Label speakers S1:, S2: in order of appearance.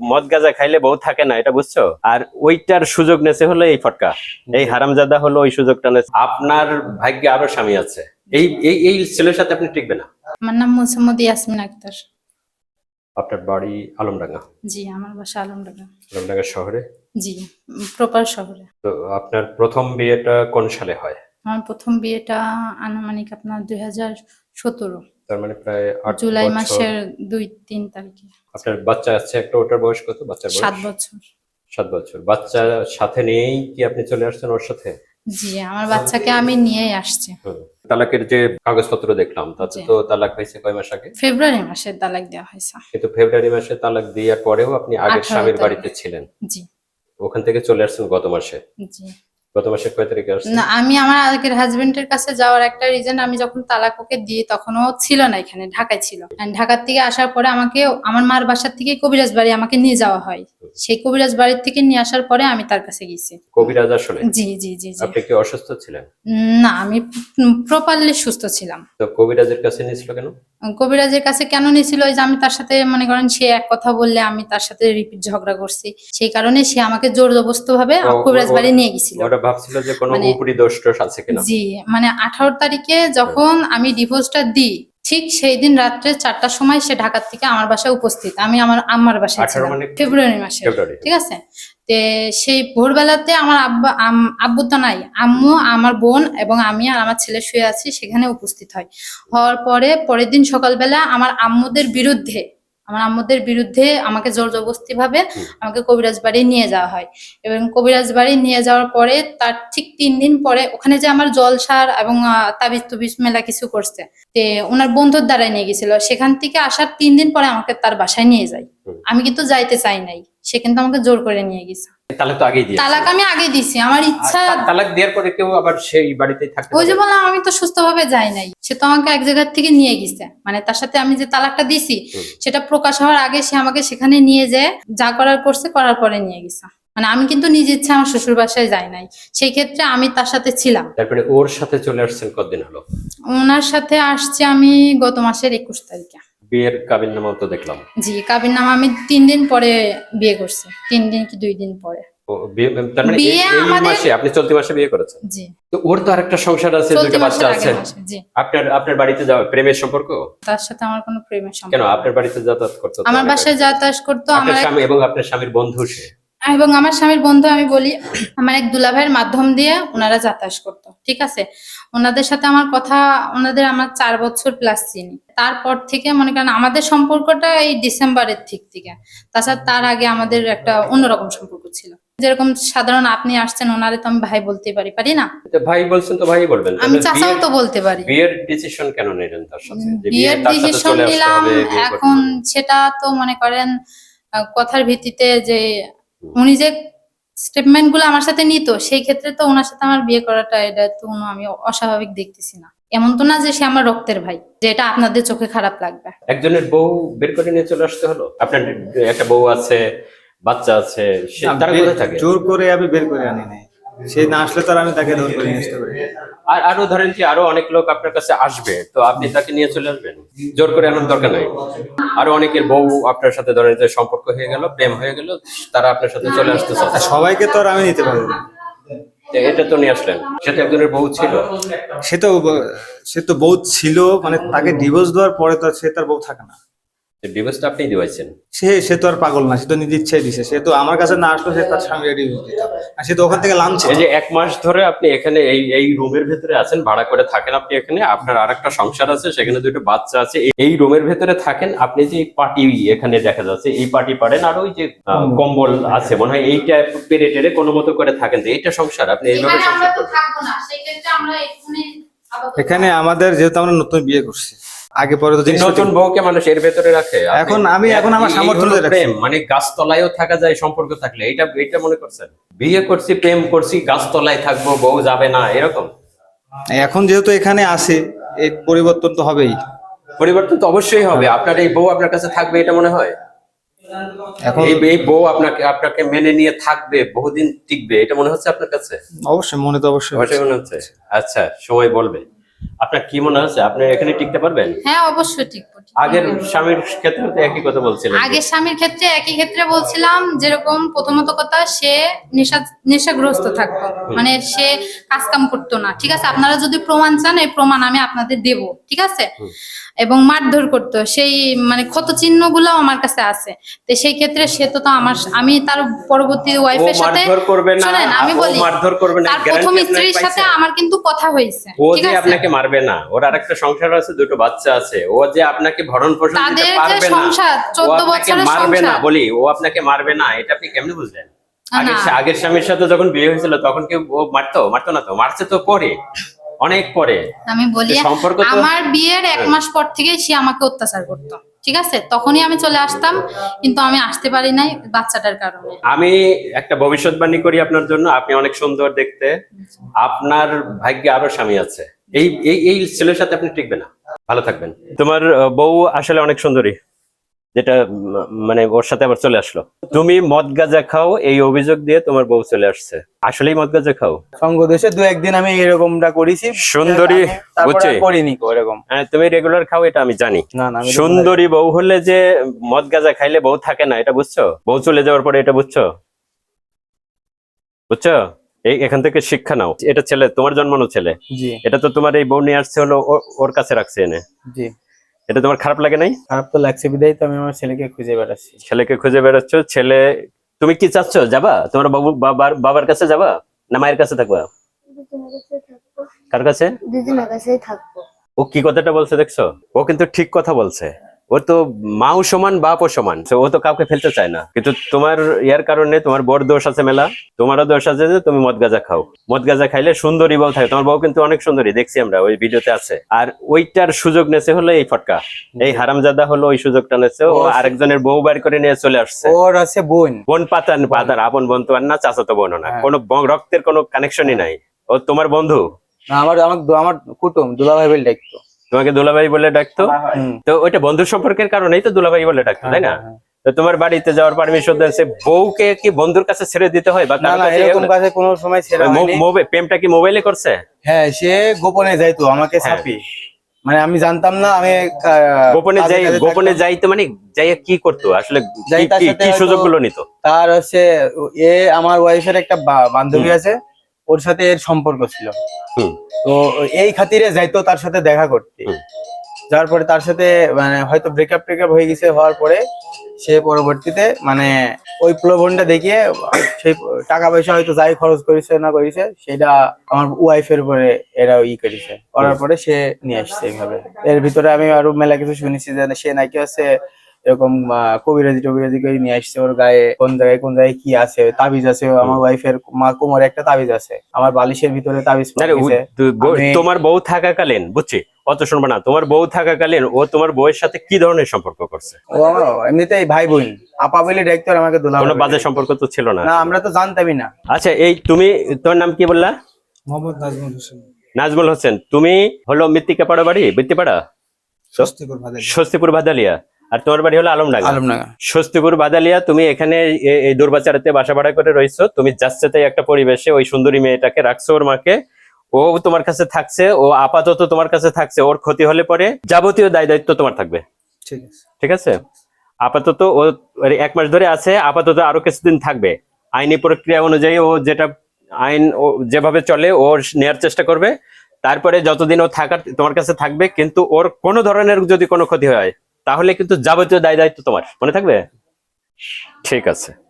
S1: মদ গাঁজা খাইলে বউ থাকে না, এটা বুঝছো? আর ওইটার সুযোগ নেছে হলো এই ফটকা, এই হারামজাদা হলো ওই সুযোগটা নেছে। আপনার ভাগ্যে আরো স্বামী আছে, এই এই এই ছেলের সাথে আপনি টিকবে না।
S2: আমার নাম মোসাম্মদ ইয়াসমিন আক্তার।
S1: আপনার বাড়ি আলমডাঙ্গা?
S2: জি, আমার বাসা আলমডাঙ্গা।
S1: আলমডাঙ্গা শহরে?
S2: জি, প্রপার শহরে।
S1: তো আপনার প্রথম বিয়েটা কোন সালে হয়?
S2: আমার প্রথম বিয়েটা আনুমানিক আপনার 2017
S1: তার মানে প্রায় 8
S2: জুলাই
S1: বছর।
S2: মাসের 2-3 তারিখে।
S1: আপনার বাচ্চা আছে একটা, ওটার বয়স কত? বাচ্চার বয়স
S2: 7 বছর।
S1: 7 বছর। বাচ্চা সাথে নিয়েই কি আপনি চলে আসছেন ওর সাথে?
S2: জি, আমার বাচ্চাকে আমি নিয়েই আসছি।
S1: তালাকের যে কাগজপত্র দেখলাম তাতে তো তালাক হয়েছে কয় মাস আগে?
S2: ফেব্রুয়ারি মাসে তালাক দেওয়া হয়েছে।
S1: কিন্তু ফেব্রুয়ারি মাসে তালাক দেওয়ার পরেও আপনি আগের
S2: 18
S1: স্বামীর
S2: তারিখে।
S1: বাড়িতে ছিলেন।
S2: জি
S1: ওখান থেকে চলে আসছেন গত মাসে।
S2: জি।
S1: গত মাসের কয় তারিখে আসছেন?
S2: না, আমি আমার আগের হাজবেন্ডের কাছে যাওয়ার একটা রিজন, আমি যখন তালাক ওকে দিই তখন ও ছিল না এখানে, ঢাকায় ছিল। And ঢাকার থেকে আসার পরে আমাকে আমার মার বাসার থেকে কবিরাজ বাড়ি আমাকে নিয়ে যাওয়া হয়। সেই কবিরাজ বাড়ির থেকে নিয়ে আসার পরে আমি তার কাছে গেছি।
S1: কবিরাজ আসলে?
S2: জি জি জি জি।
S1: আপনি কি অসুস্থ ছিলেন?
S2: না, আমি প্রপারলি সুস্থ ছিলাম।
S1: তো কবিরাজের কাছে নিয়েছিল কেন?
S2: কবিরাজের কাছে কেন নিয়েছিল, ওই যে আমি তার সাথে মনে করেন সে এক কথা বললে আমি তার সাথে রিপিট ঝগড়া করছি, সেই কারণে সে আমাকে জোর জবরদস্ত ভাবে কবিরাজ বাড়ি নিয়ে গেছিল।
S1: ওরা ভাবছিল যে কোনো
S2: মানে
S1: উপরি দোষ টোষ আছে কিনা।
S2: জি, মানে 18 তারিখে যখন আমি ডিভোর্সটা দিই, ঠিক সেই দিন রাত্রে 4টার সময় সে ঢাকার থেকে আমার বাসায় উপস্থিত। আমি আমার আম্মার বাসায়
S1: 18
S2: ছিলাম
S1: মানে
S2: ফেব্রুয়ারি মাসে।
S1: ফেব্রুয়ারি।
S2: ঠিক আছে। তে সেই ভোরবেলাতে আমার আব্বু তো নাই, আম্মু, আমার বোন এবং আমি আর আমার ছেলে শুয়ে আছি, সেখানে উপস্থিত হয়। হওয়ার পরে পরের দিন সকালবেলা আমার আম্মুদের বিরুদ্ধে আমাকে জোর জবরদস্তি ভাবে আমাকে কবিরাজ বাড়ি নিয়ে যাওয়া হয়। এবং কবিরাজ বাড়ি নিয়ে যাওয়ার পরে তার ঠিক 3 দিন পরে ওখানে যে আমার জলসার এবং তাবিজ তুবিজ মেলা কিছু করছে, তে ওনার বন্ধুর দ্বারাই নিয়ে গেছিল। সেখান থেকে আসার 3 দিন পরে আমাকে তার বাসায় নিয়ে যায়। আমি কিন্তু যাইতে চাই নাই, সে কিন্তু আমাকে জোর করে নিয়ে গেছে।
S1: তালাক তো আগেই দিয়েছে।
S2: তালাক আমি আগে দিছি, আমার ইচ্ছা।
S1: তালাক দেওয়ার পরে কেউ আবার সেই বাড়িতেই থাকতে
S2: ওই যে
S1: পারে?
S2: বললাম, আমি তো সুস্থভাবে যাই নাই, সে তো আমাকে এক জায়গা থেকে নিয়ে গেছে। মানে তার সাথে আমি যে তালাকটা দিছি সেটা প্রকাশ হওয়ার আগে সে আমাকে সেখানে নিয়ে যেয়ে যা করার করছে, করার পরে নিয়ে গেছে। মানে আমি কিন্তু নিজ ইচ্ছা আমার শ্বশুর বাসায় যাই নাই, সেই ক্ষেত্রে আমি তার সাথে ছিলাম।
S1: তারপরে ওর সাথে চলে আসছেন কতদিন হলো?
S2: ওনার সাথে আসছি আমি গত মাসের 21 তারিখে।
S1: বিয়ের কাবিননামাও তো দেখলাম।
S2: জি, কাবিননামা আমি 3 দিন পরে বিয়ে করছি, 3 দিন কি 2 দিন পরে।
S1: তার মানে
S2: বিয়ে
S1: এই
S2: আমাদের-
S1: মাসে আপনি চলতি মাসে বিয়ে করেছেন?
S2: জি,
S1: তো ওর তো আরেকটা সংসার আছে,
S2: চলতি
S1: দুটো বাচ্চা
S2: মাসের
S1: আছে।
S2: আগের মাসে। জি,
S1: আপনার বাড়িতে যাওয়া প্রেমের সম্পর্ক?
S2: তার সাথে আমার কোনো প্রেমের সম্পর্ক
S1: কেন
S2: না।
S1: আপনার বাড়িতে যাতায়াত করতো তো
S2: আমার
S1: অনেক
S2: বাসায়
S1: আগে।
S2: যাতায়াত করতো
S1: আপনার
S2: আমার
S1: স্বামী এবং আপনার স্বামীর বন্ধু সে?
S2: এবং আমার স্বামীর বন্ধু, আমি বলি আমার এক দুলাভাইয়ের মাধ্যম দিয়ে ওনারা যাতায়াত করতো। ঠিক আছে, ওনাদের সাথে আমার কথা, আমার 4 বছর প্লাস চিনি। তারপর থেকে মনে করেন আমাদের সম্পর্কটা এই ডিসেম্বরের থেকে। তাছাড়া তার আগে আমাদের একটা অন্যরকম সম্পর্ক ছিল। যেরকম সাধারণ আপনি আসছেন, ওনারে তো আমি ভাই বলতে পারি না?
S1: তো ভাই বলছেন তো ভাই বলবেন।
S2: আমি
S1: তাহলে
S2: চাচাও তো বলতে পারি।
S1: বিয়ের ডিসিশন কেন নিলেন তার সাথে? যে
S2: বিয়ের
S1: তার সাথে
S2: ডিসিশন
S1: চলে আসতে
S2: নিলাম
S1: হবে, বিয়ে করতে
S2: এখন,
S1: হবে।
S2: সেটা তো মনে করেন কথার ভিত্তিতে যে উনি যে স্টেটমেন্ট গুলো আমার সাথে নিত, সেই ক্ষেত্রে তো ওনার সাথে আমার বিয়ে করাটা, এটা তো আমি অস্বাভাবিক দেখতেছি না। এমন তো না যে সে আমার রক্তের ভাই, যে এটা আপনাদের চোখে খারাপ লাগবে।
S1: একজনের বউ বের করে নিয়ে চলে আসতে হলো? আপনার একটা বউ আছে, বাচ্চা আছে, সে তারা কোথায় থাকে?
S3: জোর করে আমি বের করে আনি নাই, সে না আসলে তো আর আমি তাকে জোর করে নিয়ে আসতে পারি না।
S1: আর আরো ধরেন কি আরো অনেক লোক আপনার কাছে আসবে, তো আপনি তাকে নিয়ে চলে আসবেন? জোর করে আনার দরকার নাই। আরো অনেকের বউ আপনার সাথে ধরেন যে সম্পর্ক হয়ে গেল, প্রেম হয়ে গেল, তারা আপনার সাথে চলে আসতে
S3: আর
S1: চাচ্ছে,
S3: সবাইকে তো আর আমি নিতে পারবো না।
S1: তো এটা তো নিয়ে আসলেন। সেটা একজনের বউ ছিল।
S3: সে তো বউ ছিল, মানে তাকে ডিভোর্স দেওয়ার পরে তো আর সে তার বউ থাকে না।
S1: ডিভোর্সটা আপনি দিয়েছেন?
S3: সে তো আর পাগল না, সে তো নিজের ইচ্ছাই দিছে। সে তো আমার কাছে না আসলো, সে তার স্বামী ডিভোর্স দিত। আর সে তো ওখান থেকে লামছে।
S1: এই যে 1 মাস ধরে আপনি এখানে এই রুমের ভেতরে আছেন, ভাড়া করে থাকেন আপনি এখানে, আপনার আরেকটা সংসার আছে, সেখানে 2টো বাচ্চা আছে, এই রুমের ভেতরে থাকেন আপনি। যে পার্টি এখানে দেখা যাচ্ছে, এই পার্টি পারেন, আর ওই যে কম্বল আছে মনে হয়, এইটা পেরে টেরে কোনো মতো করে থাকেন, তো এইটা সংসার? আপনি এইভাবে
S2: এখানে আমরা
S1: সংসার
S2: তো
S1: করবেন?
S2: থাকবো না, সেই ক্ষেত্রে আমরা
S3: এখানে আমাদের যেহেতু আমরা নতুন বিয়ে করছি, আগে পরে তো জিনিস
S1: নতুন বউকে মানুষ এর ভেতরে রাখে?
S3: এখন আমার সামর্থ্য অনুযায়ী রাখছি।
S1: প্রেম মানে গাছতলায়ও থাকা যায় সম্পর্ক থাকলে, এইটা মনে করছেন? বিয়ে করছি, প্রেম করছি, গাছতলায় থাকবো, বউ যাবে না, এরকম?
S3: এখন যেহেতু এখানে আসে, এই পরিবর্তন তো হবেই।
S1: পরিবর্তন তো অবশ্যই হবে। আপনার এই বউ আপনার কাছে থাকবে এটা মনে হয়?
S3: এখন
S1: এই বউ আপনাকে মেনে নিয়ে থাকবে, বহুদিন টিকবে, এটা মনে হচ্ছে আপনার কাছে?
S3: অবশ্যই মনে তো অবশ্যই
S1: অবশ্যই মনে হচ্ছে। আচ্ছা, সময় বলবে। আপনার কি মনে হচ্ছে আপনি এখানে টিকতে পারবেন?
S2: হ্যাঁ, অবশ্যই ঠিক।
S1: আগের স্বামীর ক্ষেত্রে তো একই কথা বলছিলেন।
S2: আগের স্বামীর ক্ষেত্রে একই ক্ষেত্রে বলছিলাম, যেরকম প্রথমত কথা সে নেশাগ্রস্ত থাকতো, মানে সে কাজ কাম করতো না। ঠিক আছে, আপনারা যদি প্রমাণ চান এই প্রমাণ আমি আপনাদের দেব, ঠিক আছে। এবং মারধর করতো, সেই মানে ক্ষত চিহ্ন গুলো আমার কাছে আছে। তো সেই ক্ষেত্রে সে তো আমি তার পরবর্তী ওয়াইফের সাথে,
S1: মারধর করবে না,
S2: শুনেন আমি
S1: ও
S2: বলি,
S1: মারধর করবে না
S2: তার
S1: গ্যারান্টি
S2: প্রথম
S1: আপনাকে
S2: স্ত্রীর সাথে
S1: পাইছে?
S2: আমার কিন্তু কথা হয়েছে,
S1: ও
S2: ঠিক
S1: যে
S2: আছে।
S1: আপনাকে মারবে না, ওর আরেকটা সংসার আছে, দুটো বাচ্চা আছে, ও যে আপনাকে ভরণ পোষণ দিতে
S2: তাদের যে
S1: পারবে না,
S2: সংসার,
S1: ও
S2: 14
S1: আপনাকে
S2: বছরের
S1: মারবে না,
S2: সংসার।
S1: বলি ও আপনাকে মারবে না, এটা আপনি কেমনে বুঝলেন?
S2: না।
S1: আগের স্বামীর সাথে যখন বিয়ে হয়েছিল তখন কি ও মারতো না? তো মারছে তো পরে, অনেক পরে।
S2: আমি বলি,
S1: সম্পর্ক তো
S2: আমার বিয়ের 1 মাস পর থেকে সে আমাকে অত্যাচার করতো, ঠিক আছে। তখনই আমি চলে আসতাম, কিন্তু আমি আসতে পারি নাই বাচ্চাটার কারণে।
S1: আমি একটা ভবিষ্যৎবাণী করি আপনার জন্য, আপনি অনেক সুন্দর দেখতে, আপনার ভাগ্যে আরো স্বামী আছে, এই এই এই ছেলের সাথে আপনি টিকবে না। ভালো থাকবেন। তোমার বউ আসলে অনেক সুন্দরী, যেটা মানে ওর সাথে আবার চলে আসলো। তুমি মদ গাঁজা খাও এই অভিযোগ দিয়ে তোমার বউ চলে আসছে, আসলেই মদ গাঁজা খাও?
S3: সঙ্গ দেশে 2-1 দিন আমি এরকমটা করেছি,
S1: সুন্দরী,
S3: তারপরে
S1: বুঝছি।
S3: আর করিনি কো এরকম।
S1: হ্যাঁ, তুমি রেগুলার খাও এটা আমি জানি।
S3: না না, আমি
S1: সুন্দরী বউ হলে যে মদ গাঁজা খাইলে বউ থাকে না, এটা বুঝছো? বউ চলে যাওয়ার পরে এটা বুঝছো? বুঝছো? এখান থেকে শিক্ষা নাও। এটা ছেলে, তোমার জন্মানো ছেলে,
S3: জি
S1: এটা তো তোমার এই বউ নিয়ে আসছে হলো ওর কাছে রাখছে এনে।
S3: জি,
S1: এটা তোমার খারাপ লাগে নাই?
S3: খারাপ তো লাগছে, বিদায় তো আমি আমার ছেলেকে খুঁজে বেড়াচ্ছি।
S1: ছেলেকে খুঁজে বেড়াচ্ছ, ছেলে তুমি কি চাচ্ছ? যাবা তোমার বাবার কাছে যাবা না মায়ের কাছে থাকবা?
S4: দুজনের কাছে থাকবো।
S1: কার কাছে?
S4: দুজনের কাছেই থাকবো।
S1: ও কি কথাটা বলছে দেখছো? ও কিন্তু ঠিক কথা বলছে। ও তো মাও সমান বাপও সমান, তো ও তো কাউকে ফেলতে চায় না। কিন্তু তোমার ইয়ার কারণে তোমার বড় দোষ আছে মেলা, তোমারও দোষ আছে যে তুমি মদ গাঁজা খাও। মদ গাঁজা খাইলে সুন্দরী বউ থাকে, তোমার বউ কিন্তু অনেক সুন্দরী, দেখছি আমরা ওই ভিডিওতে আছে। আর ওইটার সুযোগ নেছে হলো এই ফটকা, এই হারামজাদা হলো ওই সুযোগটা নেছে, ও আরেকজনের বউ বার করে নিয়ে চলে আসছে।
S3: ওর আছে বোন,
S1: বোন পাতার আপন বোন তো আর না, চাচাতো বোনও না,
S3: হ্যাঁ।
S1: কোনো রক্তের কোনো কানেকশনই নাই। ও তোমার বন্ধু,
S3: না আমার আমার আমার কুটুম, দুলাভাই বলে ডাকতো।
S1: তোমাকে দুলাভাই বলে ডাকতো,
S3: হুম।
S1: তো ওইটা বন্ধুর সম্পর্কের কারণেই তো দুলাভাই বলে ডাকতো, তাই না?
S3: হ্যাঁ।
S1: তো তোমার বাড়িতে যাওয়ার পারমিশন দিয়েছে, বউকে কি বন্ধুর কাছে ছেড়ে দিতে হয়? বা
S3: না
S1: কারোর
S3: না,
S1: কাছে
S3: এরকম কাছে কোনো সময় ছেড়ে হয়নি।
S1: প্রেমটা কি মোবাইলে করছে?
S3: হ্যাঁ, সে গোপনে যাইতো আমাকে
S1: হ্যাঁ।
S3: ছাপি, মানে আমি জানতাম না। আমি
S1: গোপনে
S3: কাজে কাজে
S1: গোপনে
S3: থাকতাম।
S1: যাইতো মানে যাইয়া কি করতো আসলে?
S3: যাই তার সাথে
S1: কি
S3: হয়তো-
S1: সুযোগগুলো নিত?
S3: তার হচ্ছে আমার ওয়াইফের একটা বান্ধবী আছে, ওর সাথে এর সম্পর্ক ছিল।
S1: হুম।
S3: তো এই খাতিরে যাইতো তার সাথে দেখা করতে।
S1: হুম।
S3: যাওয়ার পরে তার সাথে মানে হয়তো ব্রেকআপ হয়ে গেছে, হওয়ার পরে সে পরবর্তীতে মানে ওই প্রলোভনটা দেখিয়ে সেই টাকা পয়সা হয়তো যাই খরচ করেছে না করেছে সেটা আমার ওয়াইফের উপরে এরা করেছে, করার পরে সে নিয়ে আসছে এইভাবে। এর ভিতরে আমি আরো মেলা কিছু শুনেছি যে সে নাকি হচ্ছে এরকম কবিরাজি করে নিয়ে আসছে, ওর গায়ে কোন জায়গায় কি আছে, তাবিজ আছে। আমার ওয়াইফের কোমরে একটা তাবিজ আছে, আমার বালিশের ভিতরে তাবিজ
S1: আরে
S3: পাঠিয়েছে।
S1: তোমার বউ থাকাকালীন, বুঝছি, অত শুনবো না, তোমার বউ থাকাকালীন ও তোমার বউয়ের সাথে কি ধরনের সম্পর্ক করছে?
S3: ও এমনিতেই ভাই বোন, আপা বলে ডাক্তার আমাকে দুলা
S1: কোনো বাজে সম্পর্ক তো ছিল না?
S3: না, আমরা তো জানতামই না।
S1: আচ্ছা, এই তুমি, তোমার নাম কি বললা?
S3: মোহাম্মদ নাজমুল হোসেন,
S1: নাজমুল হোসেন। তুমি হলো মৃত্তিকা পাড়া বাড়ি, বৃত্তিপাড়া, স্বস্তিপুর ভাদালিয়া। আর তোমার বাড়ি হলো আলমডাঙ্গা।
S3: আলমডাঙ্গা।
S1: স্বস্তিপুর ভাদালিয়া। তুমি এখানে এই দুর্বাচারাতে বাসা ভাড়া করে রয়েছো, তুমি যাচ্ছে তাই একটা পরিবেশে ওই সুন্দরী মেয়েটাকে রাখছো, ওর মাকে, ও তোমার কাছে থাকছে, ও আপাতত তোমার কাছে থাকছে। ওর ক্ষতি হলে পরে যাবতীয় দায় দায়িত্ব তোমার থাকবে,
S3: ঠিক আছে?
S1: ঠিক আছে? আপাতত ও 1 মাস ধরে আছে, আপাতত আরো কিছুদিন থাকবে। আইনি প্রক্রিয়া অনুযায়ী ও যেটা আইন ও যেভাবে চলে ও নেয়ার চেষ্টা করবে। তারপরে যতদিন ও থাকার তোমার কাছে থাকবে, কিন্তু ওর কোনো ধরনের যদি কোনো ক্ষতি হয় তাহলে কিন্তু যাবতীয় দায় দায়িত্ব তোমার, মনে থাকবে? ঠিক আছে।